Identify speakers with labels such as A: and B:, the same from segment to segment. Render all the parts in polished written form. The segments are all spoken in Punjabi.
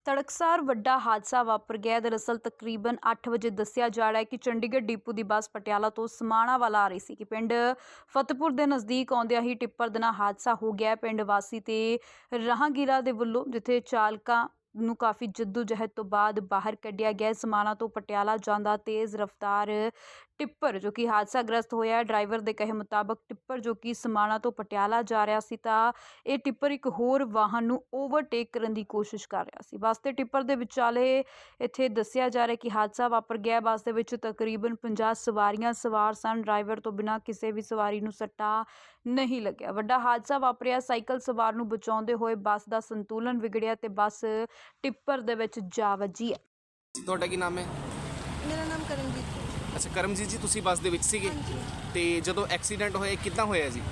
A: ਤੜਕਸਾਰ ਵੱਡਾ ਹਾਦਸਾ ਵਾਪਰ ਗਿਆ। ਦਰਅਸਲ ਤਕਰੀਬਨ 8 ਵਜੇ ਦੱਸਿਆ ਜਾ ਰਿਹਾ ਹੈ ਕਿ ਚੰਡੀਗੜ੍ਹ ਡਿਪੂ ਦੀ ਬੱਸ ਪਟਿਆਲਾ ਤੋਂ ਸਮਾਣਾ ਵੱਲ ਆ ਰਹੀ ਸੀ ਕਿ ਪਿੰਡ ਫਤਿਹਪੁਰ ਦੇ ਨਜ਼ਦੀਕ ਆਉਂਦਿਆਂ ਹੀ ਟਿੱਪਰ ਦੇ ਨਾਲ ਹਾਦਸਾ ਹੋ ਗਿਆ। ਪਿੰਡ ਵਾਸੀ ਤੇ ਰਾਹਗੀਰਾਂ ਦੇ ਵੱਲੋਂ ਜਿੱਥੇ ਚਾਲਕਾਂ ਨੂੰ ਕਾਫੀ ਜਹਿਦ ਤੋਂ ਬਾਅਦ ਬਾਹਰ ਕੱਢਿਆ ਗਿਆ। ਸਮਾਣਾ ਤੋਂ ਪਟਿਆਲਾ ਜਾਂਦਾ ਤੇਜ਼ ਰਫ਼ਤਾਰ ਟਿੱਪਰ ਜੋ ਕਿ ਹਾਦਸਾਗ੍ਰਸਤ ਹੋਇਆ। ਡਰਾਈਵਰ ਦੇ ਕਹੇ ਮੁਤਾਬਕ ਟਿੱਪਰ ਜੋ ਕਿ ਸਮਾਣਾ ਤੋਂ ਪਟਿਆਲਾ ਜਾ ਰਿਹਾ ਸੀ ਤਾਂ ਇਹ ਟਿੱਪਰ ਇੱਕ ਹੋਰ ਵਾਹਨ ਨੂੰ ਓਵਰਟੇਕ ਕਰਨ ਦੀ ਕੋਸ਼ਿਸ਼ ਕਰ ਰਿਹਾ ਸੀ। ਬੱਸ ਤੇ ਟਿੱਪਰ ਦੇ ਵਿਚਾਲੇ ਇੱਥੇ ਦੱਸਿਆ ਜਾ ਰਿਹਾ ਕਿ ਹਾਦਸਾ ਵਾਪਰ ਗਿਆ। ਬੱਸ ਦੇ ਵਿੱਚ ਤਕਰੀਬਨ 50 ਸਵਾਰੀਆਂ ਸਵਾਰ ਸਨ। ਡਰਾਈਵਰ ਤੋਂ ਬਿਨਾਂ ਕਿਸੇ ਵੀ ਸਵਾਰੀ ਨੂੰ ਸੱਟਾ ਨਹੀਂ ਲੱਗਿਆ। ਵੱਡਾ ਹਾਦਸਾ ਵਾਪਰਿਆ। ਸਾਈਕਲ ਸਵਾਰ ਨੂੰ ਬਚਾਉਂਦੇ ਹੋਏ ਬੱਸ ਦਾ ਸੰਤੁਲਨ ਵਿਗੜਿਆ ਤੇ ਬੱਸ ਟਿੱਪਰ ਦੇ ਵਿੱਚ ਜਾ ਵੱਜੀ ਹੈ।
B: ਤੁਹਾਡਾ ਕੀ ਨਾਮ ਹੈ?
C: ਮੇਰਾ ਨਾਮ ਕਰਮਜੀਤ ਹੈ।
B: ਅੱਛਾ ਕਰਮਜੀਤ ਜੀ, ਤੁਸੀਂ ਬੱਸ ਦੇ ਵਿੱਚ ਸੀਗੇ
C: ਹਾਂਜੀ।
B: ਤੇ ਜਦੋਂ ਐਕਸੀਡੈਂਟ ਹੋਇਆ ਕਿੱਦਾਂ ਹੋਇਆ ਜੀ?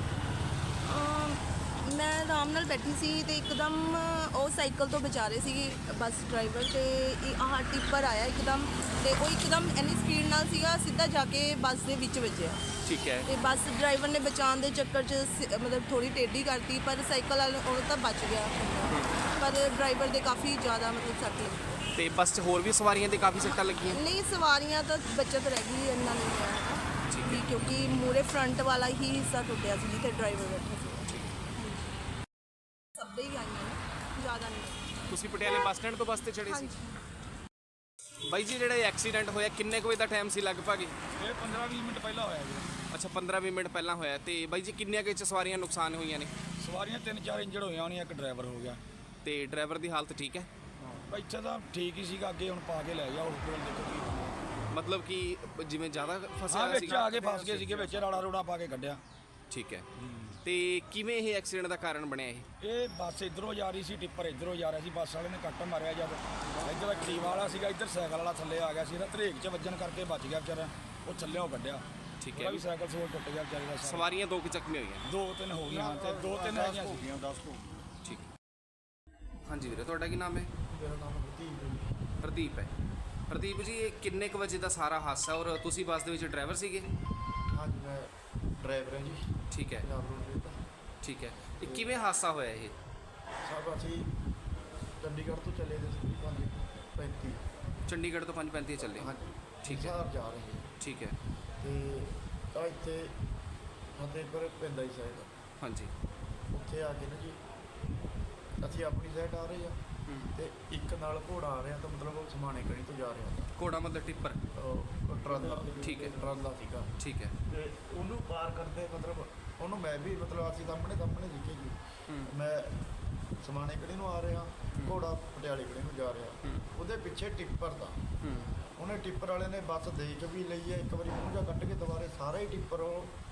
C: ਮੈਂ ਆਰਾਮ ਨਾਲ ਬੈਠੀ ਸੀ ਤੇ ਇੱਕਦਮ ਉਹ ਸਾਈਕਲ ਤੋਂ ਬਚਾ ਰਹੇ ਸੀ ਬੱਸ ਡਰਾਈਵਰ ਤੇ ਆਹ ਟਿੱਪਰ ਆਇਆ ਇੱਕਦਮ ਤੇ ਉਹ ਇੱਕਦਮ ਇੰਨੀ ਸਪੀਡ ਨਾਲ ਸੀਗਾ ਸਿੱਧਾ ਜਾ ਕੇ ਬੱਸ ਦੇ ਵਿੱਚ ਵੱਜਿਆ।
B: ਠੀਕ ਹੈ।
C: ਤੇ ਬੱਸ ਡਰਾਈਵਰ ਨੇ ਬਚਾਉਣ ਦੇ ਚੱਕਰ 'ਚ ਮਤਲਬ ਥੋੜੀ ਟੇਢੀ ਕਰਤੀ ਪਰ ਸਾਈਕਲ ਵਾਲਾ ਉਹ ਤਾਂ ਬਚ ਗਿਆ ਪਰ ਡਰਾਈਵਰ ਦੇ ਕਾਫੀ ਜ਼ਿਆਦਾ ਮਤਲਬ ਸੱਟ ਲੱਗੀ।
B: ਤੇ ਬੱਸ 'ਚ ਹੋਰ ਵੀ ਸਵਾਰੀਆਂ ਦੇ ਕਾਫੀ ਸੱਟਾਂ ਲੱਗੀਆਂ?
C: ਨਹੀਂ ਸਵਾਰੀਆਂ ਤਾਂ ਬਚਤ ਰਹਿ ਗਈ ਇੰਨਾ ਨਹੀਂ ਹੋਇਆ
B: ਠੀਕ
C: ਕਿਉਂਕਿ ਮੂਰੇ ਫਰੰਟ ਵਾਲਾ ਹੀ ਹਿੱਸਾ ਟੁੱਟਿਆ ਸੀ ਜਿੱਥੇ ਡਰਾਈਵਰ ਬੈਠਾ ਸੀ। ਸਭ ਦੇ ਹੀ ਆਈਆਂ ਨੇ ਜ਼ਿਆਦਾ ਨਹੀਂ।
B: ਤੁਸੀਂ ਪਟਿਆਲੇ ਬੱਸ ਸਟੈਂਡ ਤੋਂ ਬੱਸ ਤੇ ਚੜੇ ਸੀ? ਬਾਈ ਜੀ ਜਿਹੜਾ ਇਹ ਐਕਸੀਡੈਂਟ ਹੋਇਆ ਕਿੰਨੇ ਕੁ ਵਜੇ ਦਾ ਟਾਈਮ ਸੀ ਲਗਭਗ?
D: ਇਹ 15-20 ਮਿੰਟ ਪਹਿਲਾਂ ਹੋਇਆ ਜੀ।
B: ਅੱਛਾ 15-20 ਮਿੰਟ ਪਹਿਲਾਂ ਹੋਇਆ। ਤੇ ਬਾਈ ਜੀ ਕਿੰਨੀਆਂ ਕੁ 'ਚ ਸਵਾਰੀਆਂ ਨੁਕਸਾਨ ਹੋਈਆਂ ਨੇ?
D: ਸਵਾਰੀਆਂ 3-4 ਇੰਜਰਡ ਹੋਈਆਂ ਹੋਣੀਆਂ, ਇੱਕ ਡਰਾਈਵਰ ਹੋ ਗਿਆ।
B: ਤੇ ਡਰਾਈਵਰ ਦੀ ਹਾਲਤ ਠੀਕ ਹੈ?
D: ਇੱਥੇ ਤਾਂ ਠੀਕ ਹੀ ਸੀਗਾ, ਅੱਗੇ ਹੁਣ ਪਾ ਕੇ ਲੈ ਗਿਆ ਹਸਪੀਟਲ ਦੇਖੋ ਕੀ ਹੋਇਆ।
B: ਮਤਲਬ ਕਿ ਜਿਵੇਂ ਜ਼ਿਆਦਾ ਫਸਿਆ
D: ਹਾਂ
B: ਹੋਇਆ
D: ਵਿੱਚ
B: ਸੀਗਾ?
D: ਆ ਕੇ ਫਸ ਗਏ ਸੀਗੇ, ਵਿੱਚ ਰਾੜਾ ਰੋੜਾ ਪਾ ਕੇ ਕੱਢਿਆ।
B: ਠੀਕ ਹੈ। ਤੇ ਕਿਵੇਂ ਇਹ ਐਕਸੀਡੈਂਟ ਦਾ ਕਾਰਨ ਬਣਿਆ ਇਹ?
D: ਇਹ ਬੱਸ ਇੱਧਰੋਂ ਜਾ ਰਹੀ ਸੀ, ਟਿੱਪਰ ਇੱਧਰੋਂ ਜਾ ਰਿਹਾ ਸੀ। ਬੱਸ ਵਾਲੇ ਨੇ ਕੱਟ ਮਾਰਿਆ ਜਦ ਇੱਧਰ ਦਾ ਕਰੀਬ ਵਾਲਾ ਸੀਗਾ, ਇੱਧਰ ਸਾਈਕਲ ਵਾਲਾ ਥੱਲੇ ਆ ਗਿਆ ਸੀ। ਇਹਦਾ ਧਰੇਕ 'ਚ ਵੱਜਣ ਕਰਕੇ ਬਚ ਗਿਆ ਵਿਚਾਰਾ, ਉਹ ਥੱਲਿਓਂ ਕੱਢਿਆ।
B: ਠੀਕ ਹੈ।
D: ਵੀ ਸਾਈਕਲ ਸੋਲ ਟੁੱਟ ਗਿਆ ਵਿਚਾਰੇ ਦਾ।
B: ਸਵਾਰੀਆਂ 2 ਕੁ ਜ਼ਖਮੀ ਹੋਈਆਂ?
D: 2-3 ਹੋ ਗਈਆਂ ਤੇ 2-3 ਹੈਗੀਆਂ ਸੀਗੀਆਂ 10 ਤੋਂ।
B: ਠੀਕ। ਹਾਂਜੀ ਵੀਰੇ, ਤੁਹਾਡਾ ਕੀ ਨਾਮ ਹੈ?
E: ਮੇਰਾ ਨਾਮ ਪ੍ਰਦੀਪ ਹੈ।
B: ਪ੍ਰਦੀਪ ਹੈ। ਪ੍ਰਦੀਪ ਜੀ, ਇਹ ਕਿੰਨੇ ਕੁ ਵਜੇ ਦਾ ਸਾਰਾ ਹਾਦਸਾ ਔਰ ਤੁਸੀਂ ਬੱਸ ਦੇ ਵਿੱਚ ਡਰਾਈਵਰ ਸੀਗੇ?
E: ਹਾਂਜੀ ਮੈਂ ਡਰਾਈਵਰ ਹਾਂ ਜੀ।
B: ਠੀਕ ਹੈ।
E: ਪੰਜਾਬ ਰੋਡ ਦਾ।
B: ਠੀਕ ਹੈ। ਇਹ ਕਿਵੇਂ ਹਾਦਸਾ ਹੋਇਆ ਇਹ?
E: ਸਭ ਅਸੀਂ ਚੰਡੀਗੜ੍ਹ ਤੋਂ ਚੱਲੇ ਦੇ ਸੀ 5:35।
B: ਚੰਡੀਗੜ੍ਹ ਤੋਂ 5:35 ਚੱਲੇ?
E: ਹਾਂਜੀ
B: ਠੀਕ ਹੈ।
E: ਹਿਸਾਰ ਜਾ ਰਹੇ ਸੀ
B: ਠੀਕ ਹੈ।
E: ਤੇ ਤਾਂ ਇੱਥੇ ਫਤਿਹਪੁਰ ਪੈਂਦਾ ਹੀ ਸਾਈਡ,
B: ਹਾਂਜੀ।
E: ਉੱਥੇ ਆ ਕੇ ਨਾ ਜੀ ਅਸੀਂ ਆਪਣੀ ਸਾਈਡ ਆ ਰਹੇ ਆ ਤੇ ਇੱਕ ਨਾਲ ਘੋੜਾ ਆ ਰਿਹਾ ਤਾਂ ਮਤਲਬ ਉਹ ਸਮਾਣੇ ਕਣੀ ਤੋਂ ਜਾ ਰਿਹਾ।
B: ਘੋੜਾ ਮਤਲਬ ਟਿੱਪਰ?
E: ਉਹ ਟਰਾਲਾ।
B: ਠੀਕ ਹੈ।
E: ਟਰਾਲਾ ਸੀਗਾ।
B: ਠੀਕ ਹੈ।
E: ਤੇ ਉਹਨੂੰ ਪਾਰ ਕਰਦੇ ਮਤਲਬ ਉਹਨੂੰ ਮੈਂ ਵੀ ਮਤਲਬ ਅਸੀਂ ਸਾਹਮਣੇ ਦਿਖੇ ਜੀ। ਮੈਂ ਸਮਾਣੇ ਕਣੀ ਨੂੰ ਆ ਰਿਹਾ, ਘੋੜਾ ਪਟਿਆਲੇ ਕਣੀ ਨੂੰ ਜਾ ਰਿਹਾ। ਉਹਦੇ ਪਿੱਛੇ ਟਿੱਪਰ ਦਾ ਉਹਨੇ ਟਿੱਪਰ ਵਾਲੇ ਨੇ ਬੱਸ ਦੇਖ ਵੀ ਲਈ ਹੈ, ਇੱਕ ਵਾਰੀ ਮੂੰਹ ਜਾ ਕੱਢ ਕੇ ਦੁਬਾਰੇ ਸਾਰਾ ਹੀ ਟਿੱਪਰ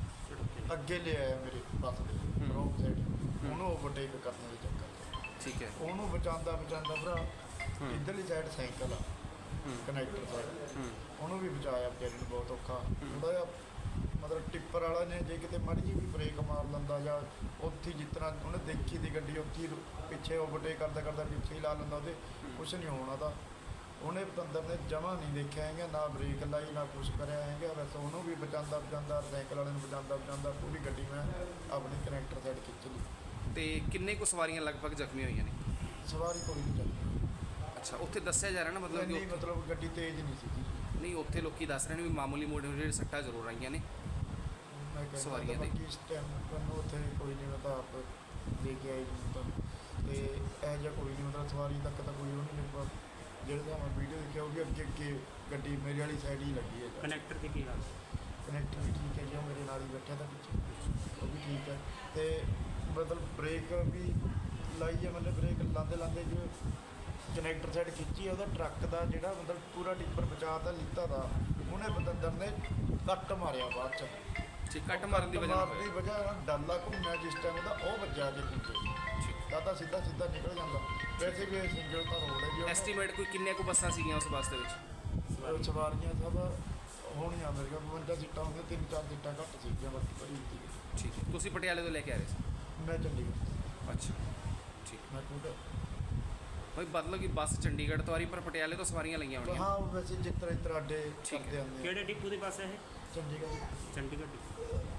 E: ਉਹ ਅੱਗੇ ਲੈ ਆਇਆ ਮੇਰੇ ਬੱਸ ਦੇ ਰੋਂਗ ਸਾਈਡ, ਉਹਨੂੰ ਓਵਰਟੇਕ ਕਰਨ ਦੇ ਚੱਕਰ 'ਚ।
B: ਠੀਕ ਹੈ।
E: ਉਹਨੂੰ ਬਚਾਉਂਦਾ ਭਰਾ ਇੱਧਰਲੀ ਸਾਈਡ ਸਾਈਕਲ ਆ ਕਨੈਕਟਰ ਸਾਈਡ, ਉਹਨੂੰ ਵੀ ਬਚਾਇਆ ਵਿਚਾਰੀ ਨੂੰ ਬਹੁਤ ਔਖਾ। ਥੋੜ੍ਹਾ ਜਿਹਾ ਮਤਲਬ ਟਿੱਪਰ ਵਾਲਾ ਨੇ ਜੇ ਕਿਤੇ ਮਾੜੀ ਜਿਹੀ ਵੀ ਬ੍ਰੇਕ ਮਾਰ ਲੈਂਦਾ ਜਾਂ ਉੱਥੇ ਜਿਸ ਤਰ੍ਹਾਂ ਉਹਨੇ ਦੇਖੀ ਦੀ ਗੱਡੀ ਉੱਥੇ ਪਿੱਛੇ ਓਵਰਟੇਕ ਕਰਦਾ ਪਿੱਛੇ ਹੀ ਲਾ ਲੈਂਦਾ, ਉਹਦੇ ਕੁਛ ਨਹੀਂ ਹੋਣਾ ਤਾਂ। ਉਹਨੇ ਪਤੰਦਰ ਨੇ ਜਮਾਂ ਨਹੀਂ ਦੇਖਿਆ ਹੈਗਾ, ਨਾ ਬ੍ਰੇਕ ਲਾਈ ਨਾ ਕੁਛ ਕਰਿਆ ਹੈਗਾ। ਵੈਸੇ ਉਹਨੂੰ ਵੀ ਬਚਾਉਂਦਾ ਸਾਈਕਲ ਵਾਲੇ ਨੂੰ ਬਚਾਉਂਦਾ ਪੂਰੀ ਗੱਡੀ ਮੈਂ ਆਪਣੀ ਕਨੈਕਟਰ ਸਾਈਡ ਖਿੱਚ ਲਈ।
B: ਤੇ ਕਿੰਨੇ ਕੁ ਸਵਾਰੀਆਂ ਲਗਭਗ ਜ਼ਖਮੀ ਹੋਈਆਂ ਨੇ?
E: ਸਵਾਰੀ ਕੋਈ ਨਹੀਂ ਚੱਲੀ।
B: ਅੱਛਾ, ਉੱਥੇ ਦੱਸਿਆ ਜਾ ਰਿਹਾ ਨਾ ਮਤਲਬ
E: ਨਹੀਂ ਮਤਲਬ ਗੱਡੀ ਤੇਜ਼ ਨਹੀਂ ਸੀਗੀ।
B: ਨਹੀਂ, ਉੱਥੇ ਲੋਕੀ ਦੱਸ ਰਹੇ ਨੇ ਵੀ ਮਾਮੂਲੀ ਮੋਟੇ ਜਿਹੜੇ ਸੱਟਾਂ ਜ਼ਰੂਰ ਆਈਆਂ ਨੇ
E: ਮੈਂ ਕਹਿੰਦਾ
B: ਸਵਾਰੀਆਂ ਦੇ।
E: ਇਸ ਟਾਈਮ ਮੈਨੂੰ ਉੱਥੇ ਕੋਈ ਨਹੀਂ, ਮੈਂ ਤਾਂ ਆਪ ਦੇ ਕੇ ਆਈ ਜੀ ਤਾਂ। ਤੇ ਇਹ ਜਿਹਾ ਕੋਈ ਨਹੀਂ ਮਤਲਬ ਸਵਾਰੀ ਤੱਕ ਤਾਂ ਕੋਈ ਉਹ ਨਹੀਂ ਲੱਗਾ। ਜਿਹੜੇ ਤਾਂ ਮੈਂ ਵੀਡੀਓ ਦੇਖਿਆ ਉਹ ਵੀ ਅੱਗੇ ਗੱਡੀ ਮੇਰੇ ਵਾਲੀ ਸਾਈਡ ਹੀ ਲੱਗੀ ਹੈ।
F: ਕਨੈਕਟਰ ਦੀ ਕੀ ਹਾਲ?
E: ਕਨੈਕਟਰ ਵੀ ਠੀਕ ਹੈ ਜੀ, ਉਹ ਮੇਰੇ ਨਾਲ ਹੀ ਬੈਠਿਆ ਤਾਂ ਪਿੱਛੇ, ਉਹ ਵੀ ਠੀਕ ਹੈ। ਤੇ ਮਤਲਬ ਬ੍ਰੇਕ ਵੀ ਲਾਈ ਹੈ, ਮਤਲਬ ਬ੍ਰੇਕ ਲਾਉਂਦੇ ਜੋ ਕਨੈਕਟਰ ਸਾਈਡ ਖਿੱਚੀ, ਉਹਦਾ ਟਰੱਕ ਦਾ ਜਿਹੜਾ ਮਤਲਬ ਪੂਰਾ ਟਿੱਪਰ ਬਚਾ ਤਾਂ ਲਿੱਤਾ ਦਾ, ਉਹਨੇ ਬਤੰਦਰ ਨੇ ਕੱਟ ਮਾਰਿਆ ਬਾਅਦ 'ਚ।
B: ਠੀਕ, ਕੱਟ ਮਾਰਨ ਦੀ ਵਜ੍ਹਾ ਨਾਲ
E: ਵਜ੍ਹਾ ਡਾਲਾ ਘੁੰਮਿਆ ਜਿਸ ਟਾਈਮ ਉਹਦਾ ਉਹ ਵੱਜਿਆ ਕੇ ਪਿੱਛੇ ਤਾਂ ਸਿੱਧਾ ਨਿਕਲ ਜਾਂਦਾ। ਵੈਸੇ ਵੀ ਇਹ ਸਿੰਗਲ ਤਾਂ ਰੋਡ ਹੈ ਜੀ।
B: ਐਸਟੀਮੇਟ ਕੋਈ ਕਿੰਨੇ ਕੁ ਬੱਸਾਂ ਸੀਗੀਆਂ ਉਸ ਬੱਸ ਦੇ ਵਿੱਚ?
E: ਸਵਾਰੀਆਂ ਸਭ ਹੋਣੀਆਂ ਮੇਰੇ ਕੋਲ 52 ਸੀਟਾਂ ਹੁੰਦੀਆਂ, 3-4 ਸੀਟਾਂ ਘੱਟ ਸੀਗੀਆਂ, ਬਾਕੀ ਭਰੀ ਸੀ।
B: ਠੀਕ ਹੈ। ਤੁਸੀਂ ਪਟਿਆਲੇ ਤੋਂ ਲੈ ਕੇ ਆ ਰਹੇ ਸੀ?
E: ਮੈਂ ਚੰਡੀਗੜ੍ਹ।
B: ਅੱਛਾ ਠੀਕ।
E: ਮੈਂ ਖੁਦ
B: ਭਾਈ ਮਤਲਬ ਕਿ ਬੱਸ ਚੰਡੀਗੜ੍ਹ ਤੋਂ ਆ ਰਹੀ ਪਰ ਪਟਿਆਲੇ ਤੋਂ ਸਵਾਰੀਆਂ ਲਈਆਂ ਹੋਣੀਆਂ?
E: ਹਾਂ ਵੈਸੇ ਜਿਸ ਤਰ੍ਹਾਂ ਅੱਡੇ
B: ਠੀਕ ਹੈ।
E: ਕਰਦੇ ਆਉਂਦੇ
F: ਕਿਹੜੇ ਡਿਪੂ ਦੀ ਬੱਸ ਹੈ ਇਹ?
E: ਚੰਡੀਗੜ੍ਹ।
F: ਚੰਡੀਗੜ੍ਹ ਡਿਪੂ।